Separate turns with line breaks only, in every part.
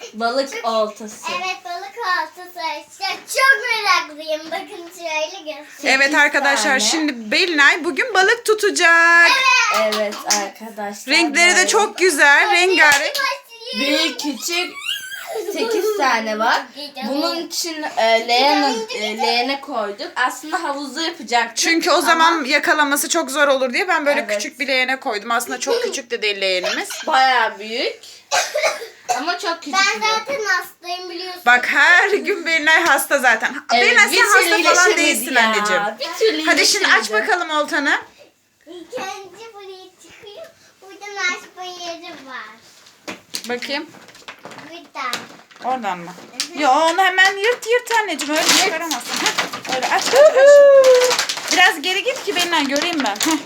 Balık oltası.
Evet, balık oltası. Çok meraklıyım. Bakın şöyle göstereyim.
Evet arkadaşlar
tane.
şimdi Belinay bugün balık tutacak.
Evet arkadaşlar.
Renkleri de çok güzel. Rengarenk.
Büyük küçük 8 tane var. Bunun için leğene koyduk. Aslında havuzda yapacaktık.
Çünkü o zaman yakalaması çok zor olur diye ben böyle
Evet.
küçük bir leğene koydum. Aslında çok küçük de değil leğenimiz.
Bayağı büyük. Ama çok küçük.
Ben
bir-
zaten hastayım biliyorsun.
Bak her gün Belinay hasta zaten. Belinay
bir
sen hasta
türlü
falan
iyileşemedi
değilsin
ya.
anneciğim.
Bir türlü
Hadi şimdi aç
iyileşemedi.
bakalım oltanı.
İlk önce buraya çıkıyor. Buradan açma yeri var.
Bakayım.
Buradan.
Oradan mı? Yo onu hemen yırt anneciğim. Öyle çıkaramazsın. Heh, öyle aç. Biraz geri git ki Belinay göreyim ben. Heh.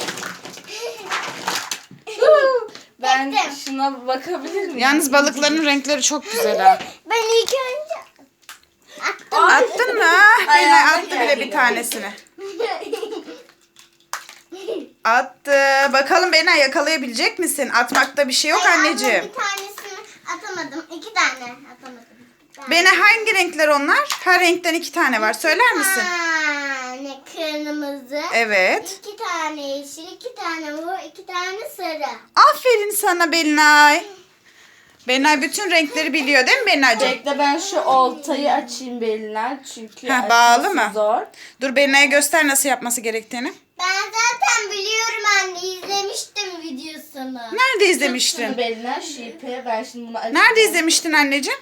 Ben
Çektim.
şuna bakabilir miyim?
Yalnız balıkların renkleri çok güzel ha.
Ben ilk önce attım.
Attın mı? Ah, Belinay
Ayağına
attı bile
geldi.
bir tanesini. Attı. Bakalım Belinay yakalayabilecek misin? Atmakta bir şey yok
Ay,
anneciğim.
ama bir tanesini atamadım. 2 tane atamadım.
Belinay hangi renkler onlar? Her renkten 2 tane var. Söyler misin?
tane kırmızı.
Evet.
2 tane yeşil, 2 tane mor, 2 tane sarı.
Aferin sana Belinay. Belinay bütün renkleri biliyor değil mi Belinaycığım?
Bekle ben şu oltayı açayım Belinay çünkü
Heh, bağlı
açması
mı?
zor.
Dur Belinay'a göster nasıl yapması gerektiğini.
Ben zaten biliyorum anne. İzlemiştim videosunu.
Nerede
Şunu
izlemiştin?
Belinay şu ipi ben şimdi bunu açayım.
Nerede izlemiştin anneciğim?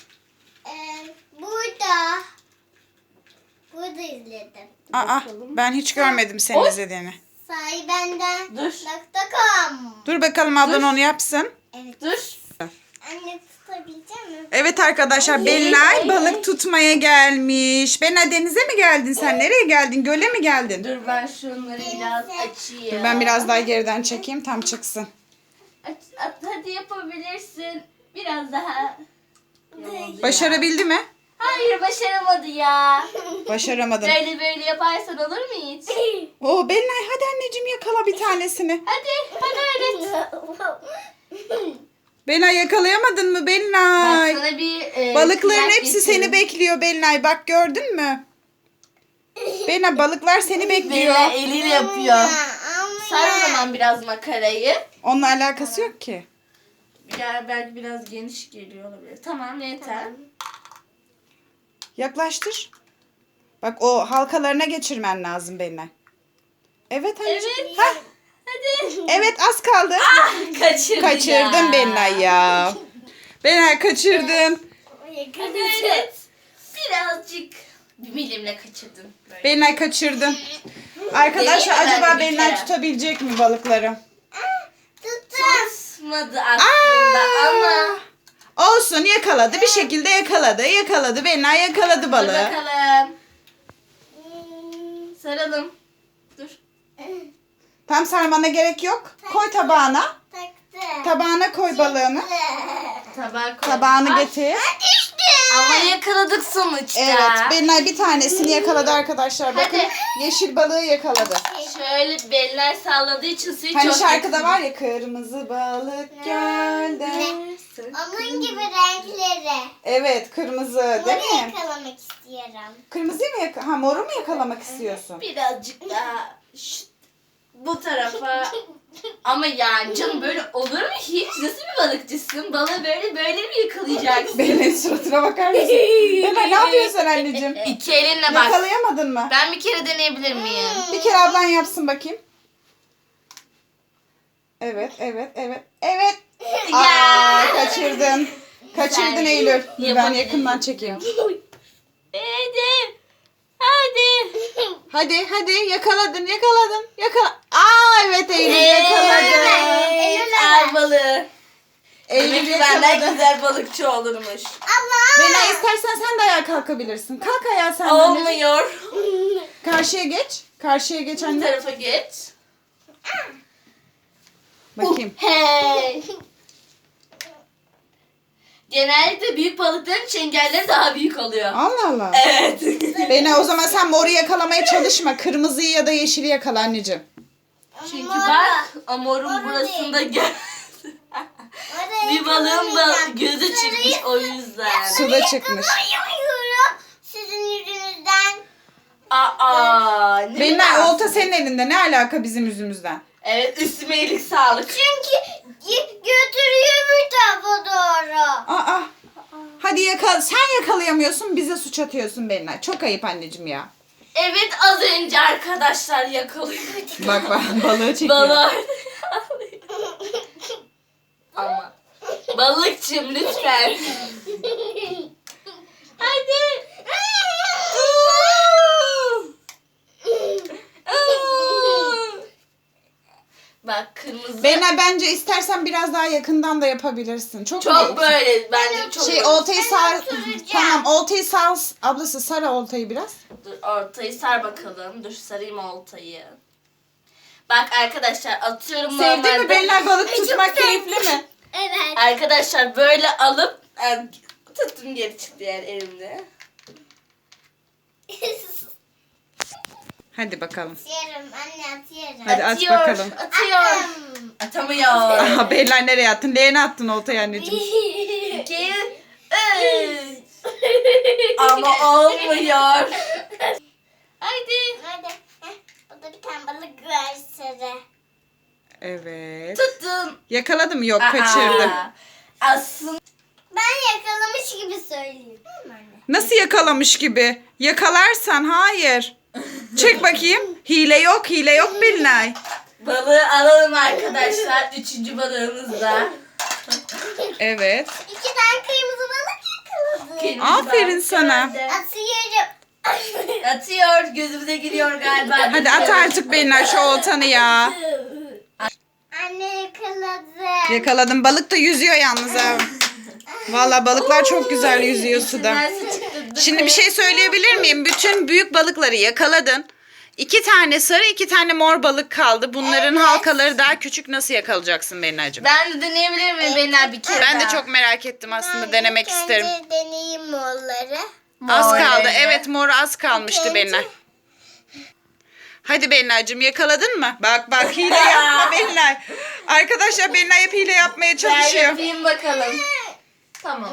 Burada. Burada izledim.
Aa, ben hiç görmedim senin
Oy.
izlediğini.
Sahi benden.
Dur.
.com.
Dur bakalım ablan
Dur.
onu yapsın.
Evet.
Dur.
Anne tutabilecek misin?
Evet arkadaşlar Belinay balık tutmaya gelmiş. Belinay denize mi geldin sen? Nereye geldin? Göle mi geldin?
Dur ben şunları biraz açayım.
Dur ben biraz daha geriden çekeyim tam çıksın.
Hadi yapabilirsin. Biraz daha.
Başarabildi mi?
Hayır başaramadı ya.
Başaramadın.
Böyle yaparsan olur mu hiç?
Oo Belinay hadi anneciğim yakala bir tanesini.
Hadi öğret.
Belinay yakalayamadın mı
Bak
Belinay?
sana bir
Balıkların
kıyak
hepsi seni
getireyim.
bekliyor Belinay. Bak gördün mü? Belinay balıklar seni bekliyor.
Belinay eliyle yapıyor.
Ama
Sar o zaman biraz makarayı.
Onunla alakası yok ki.
Belki biraz geniş geliyor olabilir. Tamam yeter.
Yaklaştır. Bak o halkalarına geçirmen lazım Belinay. Evet anneciğim.
Evet.
Hah,
Hadi.
evet az kaldı.
Kaçırdın
Kaçırdın
ya.
Belinay ya. Belinay kaçırdın.
Hadi öğret. Birazcık bir milimle kaçırdın. Böyle.
Belinay kaçırdın. Arkadaşlar
Deneyeyim mi ben
acaba
de bir
Belinay
kere?
tutabilecek mi balıkları?
Tutmadı aslında ama.
Olsun yakaladı. Bir şekilde yakaladı. Yakaladı. Belinay yakaladı
Dur
balığı.
bakalım. Saralım. Dur.
Tam sarmana gerek yok. Koy tabağına.
Taktı.
Tabağına koy balığını.
Tabağa koy.
Tabağını
Ay,
getir.
Düştü.
Ama yakaladık sonuçta.
Evet. Belinay bir tanesini yakaladı arkadaşlar. Bakın
Hadi.
yeşil balığı yakaladı.
Şöyle beller salladığı için suyu
Hani
çok
şarkıda
yakın.
var ya kırmızı balık gölde.
Onun gibi renkleri.
Evet kırmızı değil
Moru
mi?
yakalamak istiyorum.
Kırmızıyı mı ha moru mu yakalamak istiyorsun?
Birazcık daha bu tarafa. Ama yani canım böyle olur mu hiç? Nasıl bir balıkçısın? Balığı böyle mi yakalayacaksın?
Belinay'ın suratına bakar mısın? Belinay ne yapıyorsun anneciğim?
İki elinle bak.
Yakalayamadın mı?
Ben bir kere deneyebilir miyim?
Bir kere ablan yapsın bakayım. Evet, evet, evet, evet. Aa, kaçırdın. Kaçırdın
Güzel.
Eylül. Ben
Yapabilirim.
yakından çekeyim.
Hadi. Hadi.
Hadi yakaladın. Yakala. Aa evet Eylül yakaladı.
Evet. Ay balığı.
Eylül
Eylül benden
yakaladı.
güzel balıkçı olurmuş.
Ama
Belinay istersen sen de ayağa kalkabilirsin. Kalk ayağa sen de anneciğim.
Olmuyor.
Karşıya geç. Karşıya geç
Bu
anne.
tarafa geç.
Bakayım.
Hey. Genellikle büyük balıkların çengelleri daha büyük oluyor.
Allah Allah.
Evet.
Belinay o zaman sen moru yakalamaya çalışma. Kırmızıyı ya da yeşili yakala anneciğim.
Çünkü bak amorun burasında gel. Bir balığın gözü çıkmış o yüzden.
Suda çıkmış.
Yakalayamıyorum sizin yüzünüzden.
Aa, ne
Belinay
münasebet.
olta senin elinde. Ne alaka bizim yüzümüzden?
Evet, üstüme iyilik sağlık.
Çünkü götürüyor bir tarafa doğru.
Aa. Hadi sen yakalayamıyorsun, bize suç atıyorsun Belinay. Çok ayıp anneciğim ya.
Evet, az önce arkadaşlar yakalıyorduk.
Bak balığı çekiyor.
Balığı ama balıkçım lütfen. Hadi. Bak kırmızı.
Belinay bence istersen biraz daha yakından da yapabilirsin. Çok
Çok böyle bence çok.
oltayı sar.
oturacağım.
Tamam oltayı sar. Ablası sar oltayı biraz.
Dur ortayı sar bakalım. Dur sarayım oltayı. Bak arkadaşlar atıyorum
Sevdin
normalde.
mi Belinay balık tutmak keyifli mi?
Evet.
Arkadaşlar böyle alıp tuttum geri çıktı yani elimde.
Hadi bakalım.
Atıyorum anne atıyorum.
Hadi aç
Atıyor,
bakalım.
Atıyor. Atamıyor.
Aha Belinay nereye attın? Leğene attın oltayı anneciğim.
2, 3. Ama olmuyor. Haydi.
Hadi. Burada bir tane balık var sarı.
Evet.
Tuttum.
Yakaladım yok kaçırdım.
Aa, aslında
Ben yakalamış gibi söyleyeyim. Değil mi anne?
Nasıl yakalamış gibi? Yakalarsan hayır. Çek bakayım. Hile yok Belinay.
balığı alalım arkadaşlar. 3. balığımız da.
Evet.
2 tane kırmızı balık yakaladım.
Kırmızı
Aferin
balık
sana.
geldi.
Atıyorum.
Atıyor. Gözümüze giriyor galiba.
Hadi at artık Belinay şu oltanı ya.
Anne yakaladı.
Yakaladım. Balık da yüzüyor yalnız ha. Valla balıklar çok güzel yüzüyor suda.
İçinden su çıktı.
Şimdi bir şey söyleyebilir miyim? Bütün büyük balıkları yakaladın. 2 tane sarı, 2 tane mor balık kaldı. Bunların halkaları daha küçük. Nasıl yakalayacaksın Belinay'cığım?
Ben de deneyebilir miyim Belinay bir kere
Ben de
daha?
çok merak ettim aslında. Denemek
İlk
isterim.
önce deneyeyim morları.
Az
Mor
kaldı.
rengi.
Evet mor az kalmıştı Belinay. Hadi Belinay'cığım yakaladın mı? Bak hile yapma Belinay. Arkadaşlar Belinay hep hile yapmaya
Ben
çalışıyor.
yapayım bakalım. Tamam.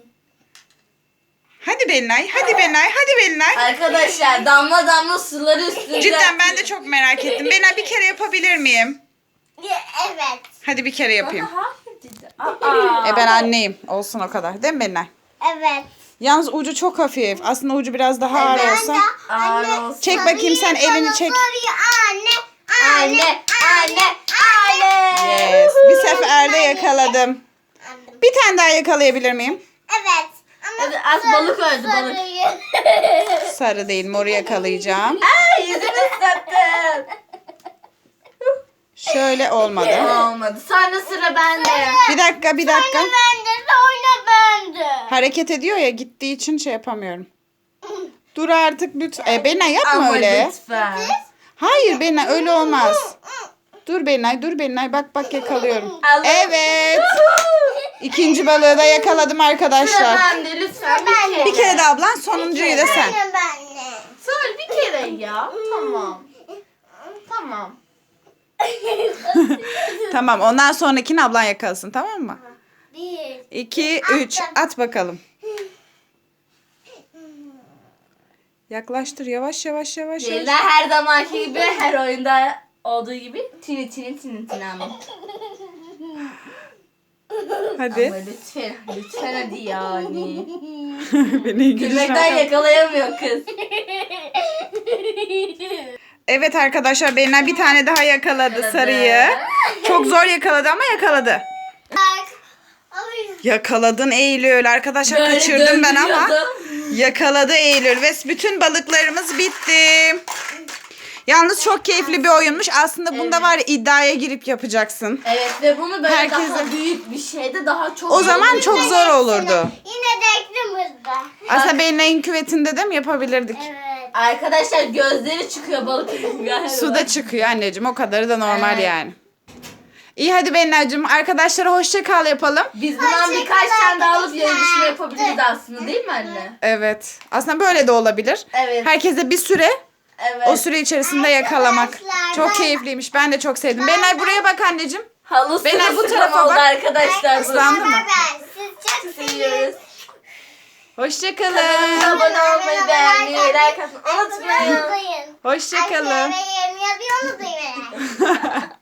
Hadi Belinay, hadi Belinay.
Arkadaşlar damla damla suları üstünde.
Cidden ben de çok merak ettim. Belinay bir kere yapabilir miyim?
Evet.
Hadi bir kere yapayım.
Hayır dedi. Aa.
Ben anneyim. Olsun o kadar. Değil mi Belinay?
Evet.
Yalnız ucu çok hafif. Aslında ucu biraz daha ağır
Evet.
olsa.
Ağır olsun.
Çek bakayım sen elini çek.
Anne.
Anne.
Yes. Bir seferde yakaladım.
Anladım.
Bir tane daha yakalayabilir miyim?
Evet. Ama
Hadi az balık öldü balık.
sarıyı.
Sarı değil, moru yakalayacağım.
Ay yüzümü ıslattın.
Şöyle olmadı.
Olmadı. Sonra sıra bende.
Bir dakika.
Bende de oyna bende.
Hareket ediyor ya gittiği için şey yapamıyorum. Dur artık lütfen. Belinay yapma
Ama
öyle.
lütfen.
Hayır Belinay öyle olmaz. Dur Belinay. Bak yakalıyorum.
Allah.
Evet. İkinci balığı da yakaladım
Sıra
arkadaşlar.
bende lütfen bir kere.
Bir kere de ablan sonuncuyu da sen.
Oyna bende.
Sonra bir kere ya. Tamam. Tamam.
Tamam ondan sonrakini ablan yakalasın tamam mı?
1.
2, 3 at bakalım. Yaklaştır yavaş.
Şeyler her zamanki gibi her oyunda olduğu gibi tini ama.
Hadi.
Ama lütfen hadi yani.
Beni
Gülmekten yakalayamıyor kız.
Evet arkadaşlar Belinay bir tane daha yakaladı sarıyı. Çok zor yakaladı ama yakaladı. Yakaladın Eylül. Arkadaşlar
Böyle
kaçırdım ben ama.
döndürüyordum.
Yakaladı Eylül ve bütün balıklarımız bitti. Yalnız çok keyifli bir oyunmuş. Aslında bunda var ya iddiaya girip yapacaksın.
Evet ve bunu böyle
Herkese-
daha büyük bir şeyde daha çok
O zaman
iyi
çok zor olurdu.
Yine de ekrimizde.
Aslında Belinay'ın küvetinde de mi yapabilirdik?
Evet.
Arkadaşlar gözleri çıkıyor balık galiba.
Suda çıkıyor anneciğim. O kadarı da normal
Evet.
yani. İyi hadi Belinay'cığım. Arkadaşlara hoşça kal yapalım.
Biz bundan birkaç tane daha alıp yarışma yapabiliriz aslında değil mi anne?
Evet. Aslında böyle de olabilir.
Evet.
Herkese bir süre
Evet.
o süre içerisinde yakalamak.
Arkadaşlar,
Çok
ben-
keyifliymiş. Ben de çok sevdim. Belinay buraya bak anneciğim.
Halı
Benay, bu
sırılsıklam
tarafa
oldu
bak.
arkadaşlar.
Islandı mı?
Siz çok
Seviyoruz.
seviyoruz.
Hoşçakalın.
Kanalımıza abone olmayı, beğenmeyi, like atmayı unutmayın.
Unutmayın.
Hoşçakalın.
Aşağıya yazmayı unutmayın.